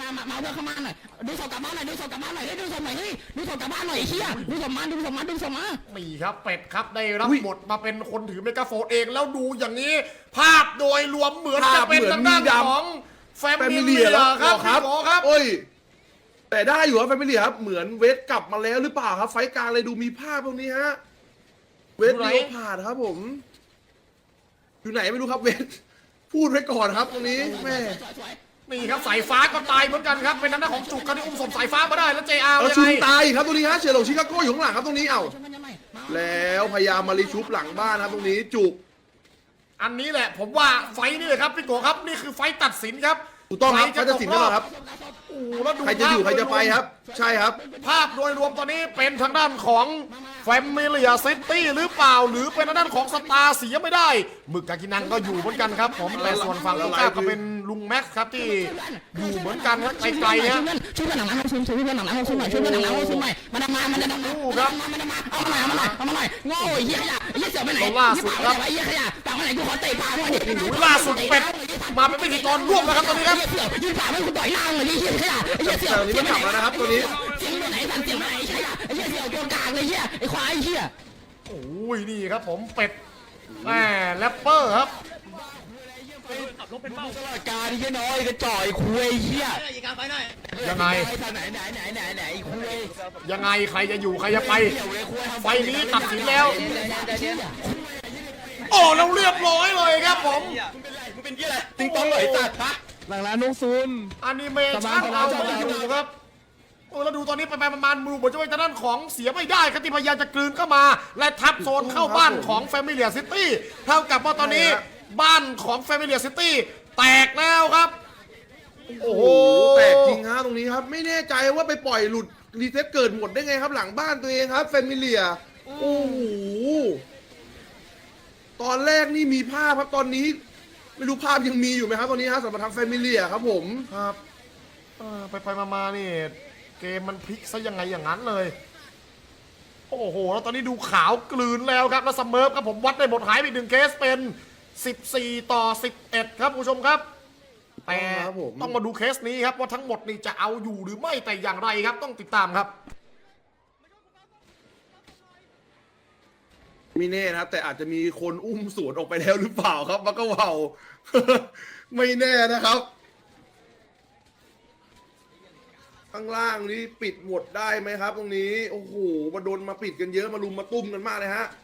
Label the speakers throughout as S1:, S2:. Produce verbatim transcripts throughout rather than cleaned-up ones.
S1: มามามาเพื่อเข้ามาหน่อยดูศพกลับบ้านหน่อยดูศพกลับบ้านหน่อยดูศพหน่อยเฮ้ยดูศพกลับบ้านหน่อยเฮียดูศพมาดูศพมาดูศพมา
S2: มีครับเป็ดครับได้รับบทมาเป็นคนถือเมกะโฟนเองแล้วดูอย่างนี้ภาพโดยรวมเหมือนจะเป็นทางด้านของแฟมิเลียครับครับ
S3: โอ้ยแต่ได้อยู่ครับแฟมิเลียครับเหมือนเวทกลับมาแล้วหรือเปล่าครับไฟกลางเลยดูมีภาพตรงนี้ฮะเวทเลี้ยวผ่านครับผมอยู่ไหนไม่รู้ครับเวทพูดไว้ก่อนครับตรงนี้แม่
S2: นี่ครับสายฟ้าก็ตายเหมือนกันครับเป็นทางด้านของจุกกันที่อุ้มศพสายฟ้ามาได้แล้วเจอาร์ยังไง
S3: ชุบตายครับตรงนี้ฮะเฉลิมชิคาโก้อยู่ข้างหลังครับตรงนี้เอ้าแล้วพยายามมารีชุบหลังบ้านครับตรงนี้จุก
S2: อันนี้แหละผมว่าไฟนี่เลยครับพี่โกครับนี่คือไฟตัดสินครับ
S3: ถูกต้องครับไฟตัดสินแล้วครับ
S2: โอ้แล้วดู
S3: ใครจะอยู่ใครจะไปครับใช่ครับ
S2: ภาพโดยรวมตอนนี้เป็นทางด้านของแฟมิเลียซิตี้หรือเปล่าหรือเป็นทางด้านของสตาร์เสียไม่ได้หมึกกากินังก็อยู่เหมือนกันครับผมแต่ส่วนฝั่งลูก้าก็เป็นลุงแม็กซ์ครับที่อยู่เหมือนกันครับไกลๆเนี่ย
S1: ช่วยเพื่อนหลังน้ำซุ่มช่วยเพื่อนหลังน้ำซุ่มหน่อยช่วยเพื่อนหลังน้ำซุ่มหน่อยมันมามันจะมาครับมันจะมาเอามาเอามาเอามาหน่อยโง่เหี้ยขยะเหี้ยเสือไปไหน
S2: ล่าสุดครับ
S1: เหี้ยขยะต่างไปไหนกูขอเตะปากหน่อยดิ
S2: ล่าสุดเป็ดมาเป็นพิธีกรร่วมนะครับตอนนี้ครับ
S1: เสือยืนปากไม่กูต่อยหน้าเลยเหี้ยขยะเหี้ยเสือ
S3: นี้มันกลับแล้วนะครับตัวนี้
S1: เสียงไปไหนสั่นเสียงไปไหนขยะเหี้ยเสือตัวกลางเลยเหี้ยไอ้ควายเหี้ย
S2: โอ้ยนี่ครับผมเป็ดแหมแรปเปอร์ครับ
S1: ขับรถเป็นเป้าตลอดการที่น้อยก็จ่อยคุยเหี้ย
S2: ยังไง
S1: ไหนไหนไหนไหนไหนคุย
S2: ยังไงใครจะอยู่ใครจะไปไฟนี้ตัดสินแล้วโอ้เราเรียบร้อยเลยครับผม
S1: มึงเป็นยี่อะไรติงตองหน่อยตัดปะหลังร้านน้องซุน
S2: อนิเมชั่นเอาไม่อยู่ครับโอ้เราดูตอนนี้ไปไปประมาณมือเหมือนจะเป็นด้านของเสียไม่ได้ครับที่พยายามจะกลืนเข้ามาและทับโซนเข้าบ้านของแฟมิเลียซิตี้เท่ากับว่าตอนนี้บ้านของแฟมิเลียซิตี้แตกแล้วครับ
S3: โอ้โหแตกจริงฮะตรงนี้ครับไม่แน่ใจว่าไปปล่อยหลุดรีเซ็ตเกิดหมดได้ไงครับหลังบ้านตัวเองครับแฟมิเลียโอ้โหตอนแรกนี่มีภาพครับตอนนี้ไม่รู้ภาพยังมีอยู่ไหมครับตอนนี้ฮะสำหรับทางแฟมิเลียครับผม
S2: ครับไปไปมาๆนี่เกมมันพลิกซะยังไงอย่างนั้นเลยโอ้โหแล้วตอนนี้ดูขาวกลืนแล้วครับแล้วซัมเมอร์ครับผมวัดได้หมดหายไปหนึ่งเคสเป็นสิบสี่ต่อสิบเอ็ดครับผู้ชมครับแต่ต้องมาดูเคสนี้ครับว่าทั้งหมดนี่จะเอาอยู่หรือไม่แต่อย่างไรครับต้องติดตามครับ
S3: ไม่แน่นะครับแต่อาจจะมีคนอุ้มสวนออกไปแล้วหรือเปล่าครับมันก็ว่าวไม่แน่นะครับข้างล่างนี้ปิดหมดได้ไหมครับตรงนี้โอ้โหมาโดนมาปิดกันเยอะมาลุมมาตุ้มกันมากเลยฮะ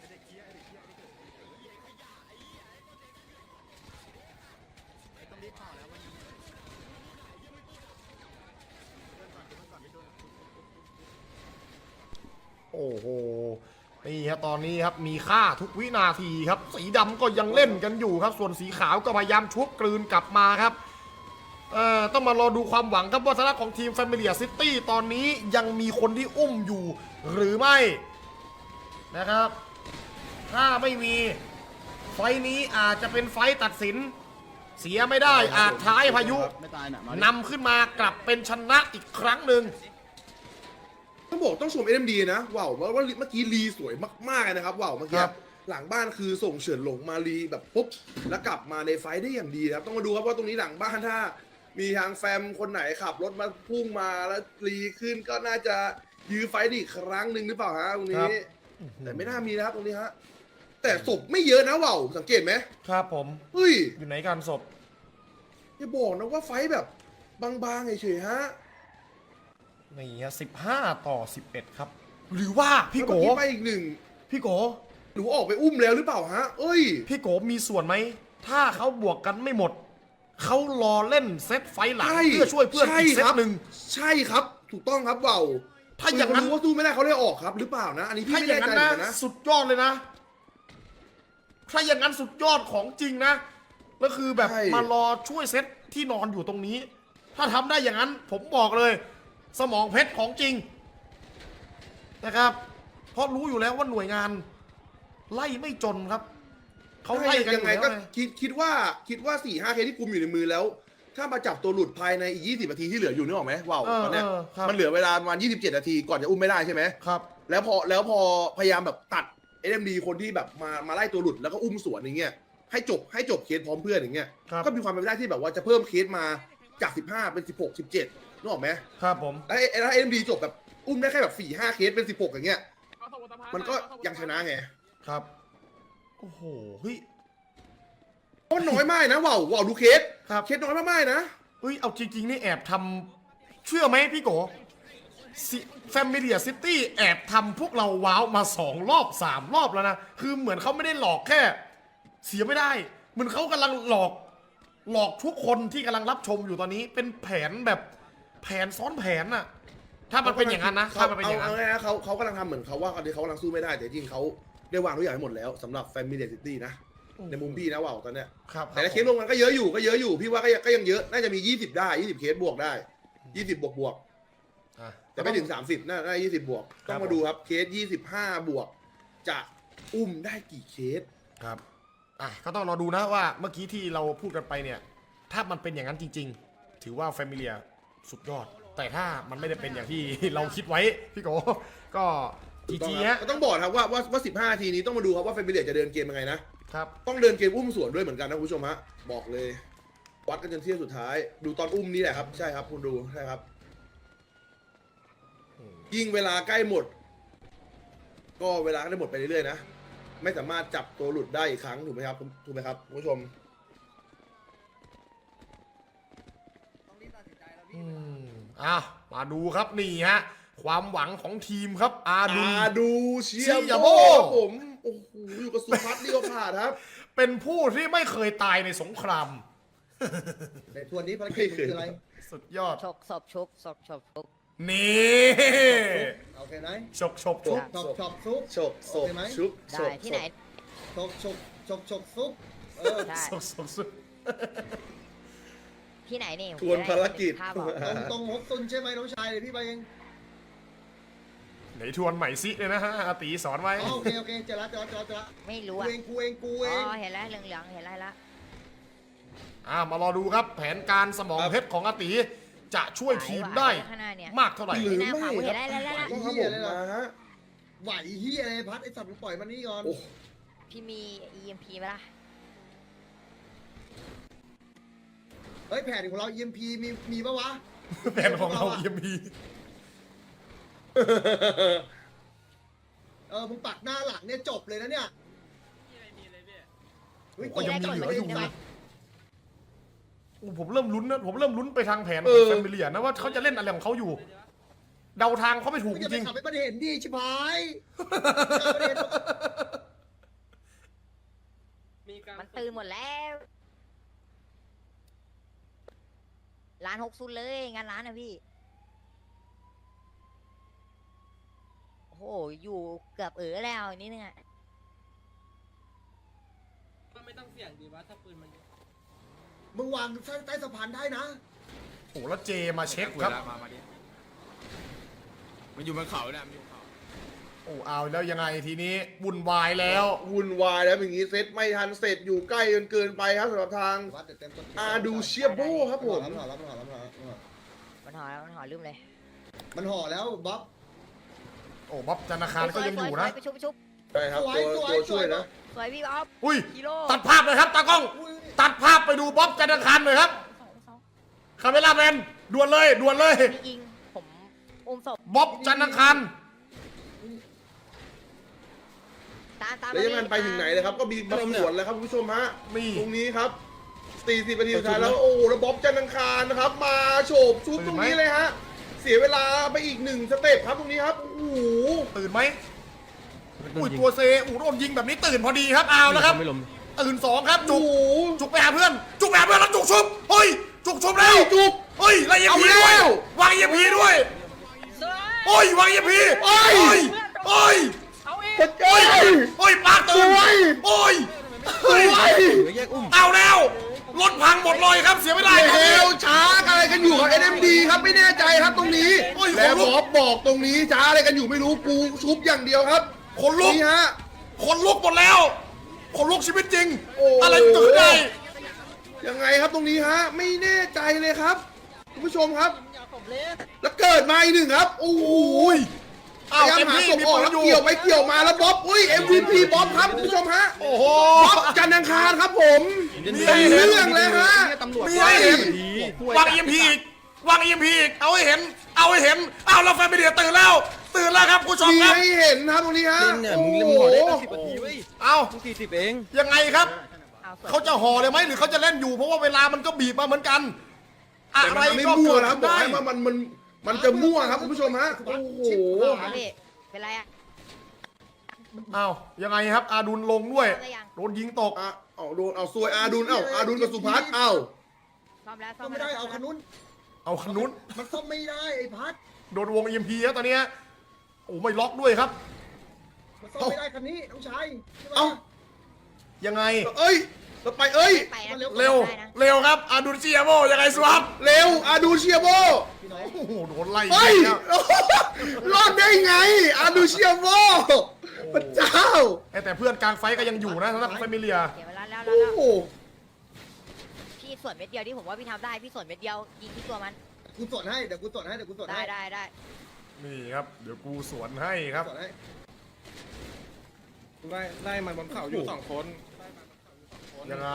S2: โอ้โหนี่ครับตอนนี้ครับมีค่าทุกวินาทีครับสีดำก็ยังเล่นกันอยู่ครับส่วนสีขาวก็พยายามชุบกลืนกลับมาครับเอ่อต้องมารอดูความหวังครับว่าทางด้านของทีมแฟมิเลียซิตี้ตอนนี้ยังมีคนที่อุ้มอยู่หรือไม่นะครับถ้าไม่มีไฟนี้อาจจะเป็นไฟตัดสินเสียไม่ได้อาจท้ายพายุนำขึ้นมากลับเป็นชนะอีกครั้งหนึ่ง
S3: ต้องบอกต้องชม เอ็ม ดี นะว้าวว่าเมื่อกี้รีสวยมากๆนะครับว้าวเมื่อกี้หลังบ้านคือส่งเฉินหลงมารีแบบปุ๊บแล้วกลับมาในไฟได้อย่างดีครับต้องมาดูครับว่าตรงนี้หลังบ้านถ้ามีทางแฟมคนไหนขับรถมาพุ่งมาแล้วรีขึ้นก็น่าจะยื้อไฟได้อีกครั้งหนึ่งหรือเปล่าฮะตรงนี้แต่ไม่น่ามีนะครับตรงนี้ฮะแต่ศพไม่เยอะนะว่าวสังเกตไหม
S2: ครับผม
S3: เฮ้ย
S2: อยู่ไหนกันศพ
S3: อย่าบอกนะว่าไฟแบบบางๆเฉยๆฮะ
S2: นี่ฮะสิบห้าต่อสิบเอ็ดครับหรือว่าพี่โก
S3: ไปอีกหนึ่ง
S2: พี่โก
S3: หรือออกไปอุ้มแล้วหรือเปล่าฮะเอ้ย
S2: พี่โกมีส่วนไหมถ้าเขาบวกกันไม่หมดเขารอเล่นเซตไฟหลังเพื่อช่วยเพื่อนอีกเซตหนึ่ง
S3: ใช่ครับถูกต้องครับเบา
S2: ถ้าอย่างนั้น
S3: ว่าสู้ไม่ได้เขาได้ออกครับหรือเปล่านะอันนี้พี่ไม่แน่ใจเหมือนกันนะ
S2: สุดยอดเลยนะถ้าอย่างนั้นสุดยอดของจริงนะก็คือแบบมารอช่วยเซตที่นอนอยู่ตรงนี้ถ้าทำได้อย่างนั้นผมบอกเลยสมองเพชรของจริงนะครับเพราะรู้อยู่แล้วว่าหน่วยงานไล่ไม่จนครับเขาไล่กัน
S3: ยังไงก็คิดคิดว่าคิดว่าสี่ห้าเคสที่กุมอยู่ในมือแล้วถ้ามาจับตัวหลุดภายในอีกยี่สิบนาทีที่เหลืออยู่นึกออกไหมว้าวตอนนี้มันเหลือเวลาประมาณยี่สิบเจ็ดนาทีก่อนจะอุ้มไม่ได้ใช่ไหม
S2: ครับ
S3: แล้วพอแล้วพอพยายามแบบตัด เอ็ม ดี คนที่แบบมามาไล่ตัวหลุดแล้วก็อุ้มสวนอย่างเงี้ยให้จบให้จบเคสพร้อมเพื่อนอย่างเงี้ยก็มีความเป็นไปได้ที่แบบว่าจะเพิ่มเคสมาจากสิบห้าเป็นสิบหก สิบเจ็ดนึกออกไหม
S2: ครับผม
S3: แล้วไอ้แล้วเอ็มดีจบแบบอุ้มได้แค่แบบสี่ห้าเคสเป็นสิบหกอย่างเงี้ยมันก็ยังชนะไง
S2: ครับโอ้โหเฮ้ย
S3: เพราะน้อยมากนะว่าวว่าวดูเคส
S2: ครับ
S3: เคสน้อยมากๆนะ
S2: เฮ้ยเอาจริงๆนี่แอบทำเชื่อไหมพี่โกแฟมิเลียซิตี้แอบทำพวกเราว้าวมาสองรอบสามรอบแล้วนะคือเหมือนเขาไม่ได้หลอกแค่ เสียไม่ได้เหมือนเขากำลังหลอกหลอกทุกคนที่กำลังรับชมอยู่ตอนนี้เป็นแผนแบบแผนซ้อนแผนน่ะถ้ามันเป็นอย่างนั้นนะถ้ามันเป็นอย่างนั้น
S3: เอาง่ายๆเขาเขากำลังทำเหมือนเขาว่าเขากำลังสู้ไม่ได้แต่จริงเขาได้วางทุกอย่างให้หมดแล้วสำหรับแฟมิเลียซิตี้นะในมุมพี่นะว่าวตอนเนี้ย
S2: ครับ
S3: แต่ละเคสลงมันก็เยอะอยู่ก็เยอะอยู่พี่ว่าก็ยังก็ยังเยอะน่าจะมียี่สิบได้ยี่สิบเคสบวกได้ยี่สิบบวกบวก
S2: อ่ะ
S3: แต่ไม่ถึงสามสิบน่าได้ยี่สิบบวก
S2: ครับ
S3: ต้องมาดูครับเคสยี่สิบห้าบวกจะอุ้มได้กี่เคส
S2: ครับอ่ะก็ต้องรอดูนะว่าเมื่อกี้ที่เราพูดกันไปเนี่ยถ้ามันเป็นอย่างนั้นจริง ๆ ถือว่าแฟมิเลียสุดยอด แต่ถ้ามันไม่ได้เป็นอย่างที่ เราคิดไว้พี่โกก็จีจีฮะ
S3: ก็ต้องบอกครับว่าว่าว่าสิบห้าทีนี้ต้องมาดูครับว่าแฟมิเลียจะเดินเกมยังไงนะครับ ต้องเดินเกมอุ้มสวนด้วยเหมือนกันนะคุณผู้ชมฮะบอกเลย วัดกันจนเที่ยงสุดท้าย ดูตอนอุ้มนี่แหละครับใช่ครับคุณดูใช่ครับ ยิ่งเวลาใกล้หมด ก็เวลาก็ได้หมดไปเรื่อยๆนะไม่สามารถจับตัวหลุดได้อีกครั้งถูกไหมครับถูกไหมครับคุณผู้ชม
S2: อืมอ่ะมาดูครับนี่ฮะความหวังของทีมครับอาดู
S3: อาดูเชีย
S2: เชีย
S3: โบ
S2: โบ้
S3: ครับผมโอ้โหอยู่กับสุพัฒน์นี่ก็ผ่านครับ
S2: เป็นผู้ที่ไม่เคยตายในสงคราม
S4: ในทวนนี้ภารกิจคืออะไร
S2: สุดยอด
S5: ชกศพชุบศพชบชุบ
S2: นี่
S4: โอเคไหม
S2: ฉกฉกชุบ
S4: ชอบชอบซุป
S3: ฉกศพชุบศ
S5: ได้
S3: พ
S5: ที่ไหน
S4: ชกชกชกชกซุปเออ
S5: ได้
S2: ฉกฉกชุบ
S5: ที่ไหนนี่
S3: ทวนภารกิจ
S5: ภาพบอก
S4: ตรงตรงฮกซุนใช่ไหมน้องชายเดี๋ยวพี่ไปเอง
S2: ไหนทวนใหม่ซิเลยนะฮะอาตีสอนไว้
S4: อ๋อโอเคโอเคเจอละเจอละเจอละเจอละ
S5: ไม่รู้
S4: กู
S5: อ่ะ
S4: เองกูเองกูเอ
S5: อ๋
S4: ง
S5: อเห็นแล้วเหลืองๆเห็นแล้วละ
S2: อ่ามารอดูครับ แผนการสมองเพชรของอาตีจะช่วยทีมได้
S5: ข้างหน้าเนี่ย
S2: มากเท่าไหร่
S3: หรือ
S5: หน้า
S3: ไม่
S5: ขวา
S3: ค
S5: เห็
S3: รั
S5: น
S3: บ
S5: แล้วแล้วแล้ว
S3: ต้องครับผมมาฮะ
S4: ไหวเฮียอะไรพัดไอสัตว์มึงปล่อยมันนี่ก่อน
S3: โอ้
S5: พี่มี อี เอ็ม พี ไหมล่ะ
S4: เฮ้ยแผนของเรา อี เอ็ม พี มีมีปะวะ
S2: แผนของเรายังมี
S4: เออมึงปักหน้าหลังเนี่ยจบเลยนะเนี่ยเฮ้ย
S2: โอ้ยังมีเหลืออยู่
S4: ตกใจ
S2: โอ้ผมเริ่มลุ้นนะผมเริ่มลุ้นไปทางแผนข
S3: เอ
S2: อง
S3: อ
S2: แฟมิเลียนะว่าเขาจะเล่นอะไรของเขาอยู่ เดาทางเขาไม่ถูก
S4: มึง
S2: จ
S4: จะไป
S2: ริง
S4: ขับให้มันเห็นดิชิบหายขับให้มันเห็น
S5: มันตื่นหมดแล้วร้านหกซุนเลยงานร้านนะพี่โอ้โหอยู่เกือบเออแล้วนิดนึงอ่ะ
S6: ก็ไม่ต้องเสี่ยงดีวะถ้าปืนมัน
S4: มึงวางใต้สะพานได้นะ
S2: ๆโอ้แล้วเจมาเช็คครับ
S7: มามาดิมันอยู่บนเขาเนี่ยมันอยู่บนเขา
S2: โอ้เอาแล้วยังไงทีนี้วุ่นวายแล้ว
S3: วุ่นวายแล้วอย่างนี้เซตไม่ทันเสร็จอยู่ใกล้จนเกินไปครับสำหรับทาง
S4: วัดเดี๋ยวเต็มต้น
S3: อาดูเชียโบครับผม
S4: มันห่อแล้วมันห่อแล้วมันห่อแล้วมันห่อแล้ว
S5: มันห่อแล้วมันห่อลืมเลย
S4: มันห่อแล้วบ๊อบ
S2: โอ้บ๊อบจันทคารก็ยังอยู่นะ
S5: ไปชุบไปชุบ
S3: ใช่ครับ
S4: สวย
S3: ตัว
S4: สวย
S3: ตัวช่วย
S4: สวย
S3: นะ
S5: สวยพี่อ๊อฟ
S2: อุ้ย
S5: กิโล
S2: ตัดภาพเลยครับตากล้อง
S4: อุ้ย
S2: ตัดภาพไปดูบ๊อบจันทคารหน่อยครับคาเมล่าแมนด่วนเลยด่วนเลย
S5: พี่อิงผมอุ้มศพ
S2: บ๊อบจันทคาร
S5: ตามตาม
S3: แล้วยังไงไปถึงไหนเลยครับก็มีมาสวนแล้วครับคุณผู้ชมฮะ
S2: นี่
S3: ตรงนี้ครับสี่สิบนาทีสุดท้ายแล้วโอ้โหแล้วบ๊อบจันทร์อังคารนะครับ มาโฉบชุบตรงนี้เลยฮะเสียเวลาไปอีกหนึ่งสเต็ปครับตรงนี้ครับโอ้โห
S2: ตื่นไหมอุ้ยตัวเซอูโดนยิงแบบนี้ตื่นพอดีครับเอาแล้วครับตื่นสองครับจุ
S3: โอ้
S2: ก
S3: โห
S2: จุกไปหาเพื่อน จุกไปหาเพื่อนแล้วจุกชุบเฮ้ยจุกชุบแล้ว
S3: จุก
S2: เฮ้ยแล้วเอ็ม
S3: เอา
S2: พี
S3: แล้
S2: ด้วย
S3: ว
S2: วางเอ็มพีด้วยโอ้ยวางเอ็มพีโอ้ยโอ้ย
S3: กระจาย
S2: โอ้ยปากตื่น
S3: สวย
S2: โอ้ย
S3: สวย
S2: เอาแล้วรถพังหมดเลยครับเสียไม่ได้
S3: เฮลช้าอะไรกันอยู่กับ เอ็น เอ็ม ดี ครับไม่แน่ใจครับตรงนี้
S2: โอ้ย
S3: แล้ว
S2: ขนลุก
S3: บ๊อบบอกตรงนี้ช้าอะไรกันอยู่ไม่รู้กูชุบอย่างเดียวครับ
S2: คนลุก
S3: นี่ฮะ
S2: คนลุกหมดแล้วคนลุกชีวิตจริง
S3: โอ้
S2: อะไรเกิดได้
S3: ยังไงครับตรงนี้ฮะไม่แน่ใจเลยครับคุณผู้ชมครับ แล้วเกิดมาอีกหนึ่งครับโอ้โห
S2: โอ้ยอ้าว
S3: พยายาม
S2: เต็ม
S3: หา
S2: ที่
S3: ศพ
S2: มี
S3: ออก
S2: ปืน
S3: แล้ว
S2: อยู่
S3: เกี่ยวไปเกี่ยวมาแล้วบ๊อบอุ้ย เอ็ม วี พี บ๊อบครับคุณผู้ชมฮะ
S2: โอ้โห
S3: บ๊อบจันทร์อังคารครับผม
S2: มี
S3: เป็น
S2: ให้เห็น
S3: เรื่องเลยฮะ
S2: มีให้เห็นวางเอ็มพีอีกวางเอ็มพีอีกเอาให้เห็น เอาให้เห็นเอาแล้วแฟนมีเดียตื่นแล้ว ตื่นแล้วครับผู้ชม
S3: มี
S2: ครับ
S3: ให้เห็นครับตรงนี้ฮะ
S7: เล่นเนี่ยมึง
S3: โอ้
S7: เล่น
S3: โห
S7: หมอได้ตั้งสิบนาทีเว้ย
S2: เอา
S7: มึงสี่สิบเอง
S2: ยังไงครับ
S5: เอาส่วน
S2: เขาจะห่อเลยไหมหรือเขาจะเล่นอยู่ เพราะว่าเวลามันก็บีบมาเหมือนกัน อะ
S3: แต่
S2: ไร
S3: มันไม่
S2: ก็
S3: มั่ว
S2: เกิด
S3: นะครับบ
S2: ขึ้น
S3: อก
S2: ได้
S3: ให้ว่ามันมันมันจะมั่วครับคุณผู้ชมฮะโอ้โห
S5: เอาพี่เป็นไรอะ
S2: เอายังไงครับ อาดุลลงด้วย
S5: ซ่อมได้ยัง
S2: โดนยิงตก
S3: อ่ะเอาโดนเอาซวยอาดุลเอ้าอาดุลกับสุพัฒน์เอ้า
S5: ซ่อมแล้วซ่
S4: ซ่
S5: อ
S4: อ
S5: ม
S4: มไม่
S5: แล้ว
S4: ได้เอาขนุน
S2: เอาขนุน
S4: มันซ่อมไม่ได้ไอ้พัด
S2: โดนวงเอ็มพีครับตอนเนี้ยโอ้ไม่ล็อกด้วยครับ
S4: มันซ่อมไม่ได้คันนี้น้องชาย
S3: เอ้า
S2: ยังไง
S3: เอ้ยเราไปเอ้ย
S5: ไปนะ
S2: เร็ว
S5: ได้นะ
S2: เร็วครับ อาดุลเซียโบยังไงสวัสด
S3: เร็วอาดูเชียโบ
S4: พี่น้อง
S2: โอ้โหโดนไล่
S3: เฮ้ย
S2: แล้ว
S3: รอดได้ไงอาดูเชียโบพระเจ้า
S2: แต่เพื่อนกลางไฟก็ยังอยู่นะสำหรับแฟมิเลีย
S5: เดี๋ยวเวลาแล้วแล้ว
S3: โอ้
S5: แล้ว
S3: โห
S5: พี่ส่วนเม็ดเดียวที่ผมว่าพี่ทำได้ พี่ส่วนเม็ดเดียวยิงที่ตัวมัน
S4: กูสวนให้เดี๋ยวกูสวนให้เดี๋ยวกูสวน
S5: ได้
S4: ให้
S5: ได้ได้
S2: นี่ครับ เดี๋ยวกูสวนให้ครับ
S4: สวนให้
S7: ไล่ไล่มันบนเขาอยู่สองคน
S2: ยังไง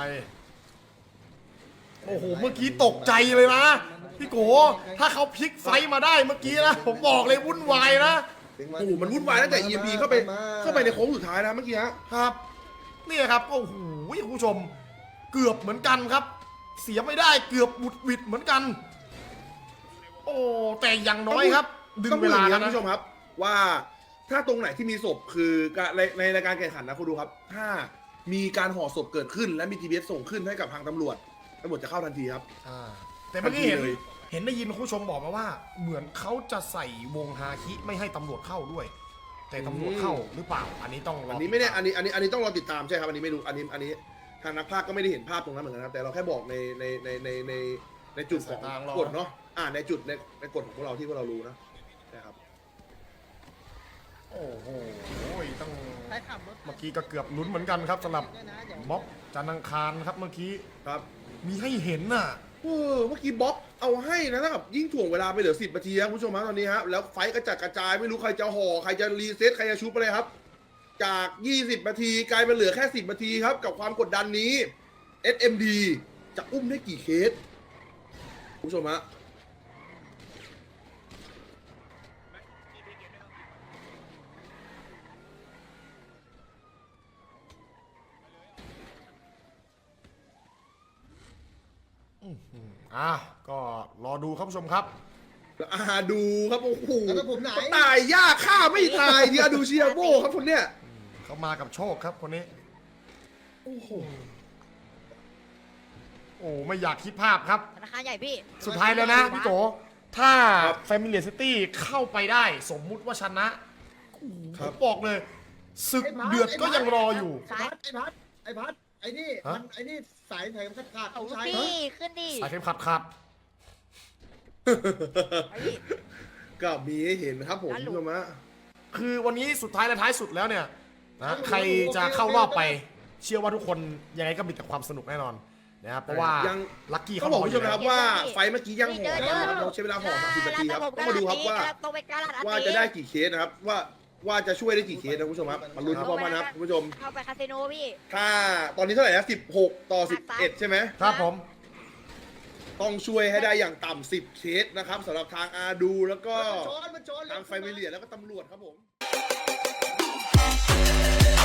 S2: โอ้โห เมื่อกี้ตกใจเลยนะ พี่โก ถ้าเขาพลิกไฟมาได้เมื่อกี้นะ ผมบอกเลยวุ่นวายนะ
S3: โอ้โหมันวุ่นวายตั้งแต่ อี เอ็ม พี เข้าไปเข้าไปในโค้งสุดท้ายนะเมื่อกี้ฮะ
S2: ครับ เนี่ยครับ โอ้โหคุณผู้ชม เกือบเหมือนกันครับ เสียไม่ได้เกือบบุดหวิดเหมือนกัน โอ้ แต่อย่างน้อยครับ ดึง
S3: ต้อง
S2: เว
S3: พูดอ
S2: ลา
S3: ย่างนี้
S2: แล้ว
S3: นะ
S2: นะ
S3: คุณผู้ชมครับ ว่าถ้าตรงไหนที่มีศพคือการในในรายการแข่งขันนะคุณดูครับ ถ้ามีการห่อศพเกิดขึ้น และมี จี พี เอส ส่งขึ้นให้กับทางตำรวจตำรวจจะเข้าทันทีครับ
S2: อ่าแต่เมื่อกี้เห็น
S3: ทันทีเลย
S2: เห็นได้ยินคุณผู้ชมบอกมาว่า เหมือนเขาจะใส่วงฮาคิไม่ให้ตำรวจเข้าด้วย แต่ตำรวจเข้าหรือเปล่า อันนี้ต้องรอ
S3: อั
S2: อั
S3: นนี้ไม่แน่อันนี้อันนี้อันนี้ต้องรอติดตามใช่ครับอันนี้ไม่รู้อันนี้อันนี้ทางนักพากย์ก็ไม่ได้เห็นภาพตรงนั้นเหมือนกันครับแต่เราแค่บอกในในในในในในจุดของกฎเนาะอ่าในจุดในในกฎของพวกเราที่พวกเรารู้นะนะครับ
S2: โอ้โหต้อง
S4: ใครขับรถ
S2: เมื่อกี้ก็เกือบลุ้นเหมือนกันครับสำหรับ
S4: ด้วยนะเดี๋ยว
S2: ม็อบจันทร์อังคารครับเมื่อกี้
S3: ครับ
S2: มีให้เห็นน่ะ
S3: เออเมื่อกี้บ๊อบเอาให้นะถ้ากับยิ่งถ่วงเวลาไปเหลือสิบนาทีครับคุณผู้ชมฮะตอนนี้ฮะแล้วไฟท์กระจัดกระจายไม่รู้ใครจะห่อใครจะรีเซ็ตใครจะชุบอะไรครับ จากยี่สิบนาทีกลายเป็นเหลือแค่สิบนาทีครับกับความกดดันนี้ เอส เอ็ม ดี จะอุ้มได้กี่เคสคุณผู้ชมฮะ
S2: อ่ะก็รอดูครับผู้ชมครับ
S3: แล้วอาดูครับโอ้โห
S4: แล้วผมไหน
S3: ตายยากฆ่าไม่ตายที่อาดูเชียโบครับคนเนี้ย
S2: เขามากับโชคครับคนนี้
S3: โอ้โห
S2: โอ้ไม่อยากคิดภาพครับ
S5: ธนาคารใหญ่พี่
S2: สุดท้ายแล้วนะพี่โกถ้า Familiar City เข้าไปได้สมมุติว่าชนะโอ้โหผมบอกเลยศึกเดือดก็ยังรออยู่
S4: ไอ้พัดไอ้พัดไอ้พัดไอ้นี่
S2: ฮะ
S4: มันไอ้นี่สายแถมขาดขาด
S5: เอา
S4: น้องชาย
S5: พี่ขึ้นดิ
S2: สายเข็มขัดครับ
S5: ไปพี่
S3: ก็มีให้เห็นครับผม
S5: นั่นหลุ
S3: คุณ
S5: ด
S3: ผู้ชมฮะ
S2: คือวันนี้สุดท้ายและท้ายสุดแล้วเนี่ยนะใครจะเข้ารอบไป เชื่อว่าทุกคนยังไงก็มีแต่ความสนุกแน่นอนนะครับเพราะว่า
S3: ยัง
S2: ลัคกี้
S3: เขา
S2: เขา
S3: บบ อ
S2: อก ก
S3: คุณ
S2: อ
S3: ผู้ช
S2: ยู่
S3: ม
S2: แล้ว
S3: นะครับว่าไฟเมื่อกี้ยังห่อนะครับเราใช้เวลาห่อสามสิบนาทีครับต้องมาดูครับว่า
S5: ตรงไปกาลาดอัน
S3: ว่า
S5: นี้
S3: จะได้กี่เคสนะครับว่าว่าจะช่วยได้กี่เคสนะคุณผู้ชมครับมาลุ้นพร้อมกันนะครับคุณผู้ชม
S5: เข้าไปคาสิโนพี่
S3: ถ้าตอนนี้เท่าไหร่นะสิบหกต่อสิบเอ็ดใช่ไหม
S2: ครับผม
S3: ต้องช่วยให้ได้อย่างต่ำสิบเคสนะครับสำหรับทางอาดูแล้วก็
S4: มันชนมันชน
S3: ทางไฟมิเลียแล้วก็ตำรวจครับผม
S4: เ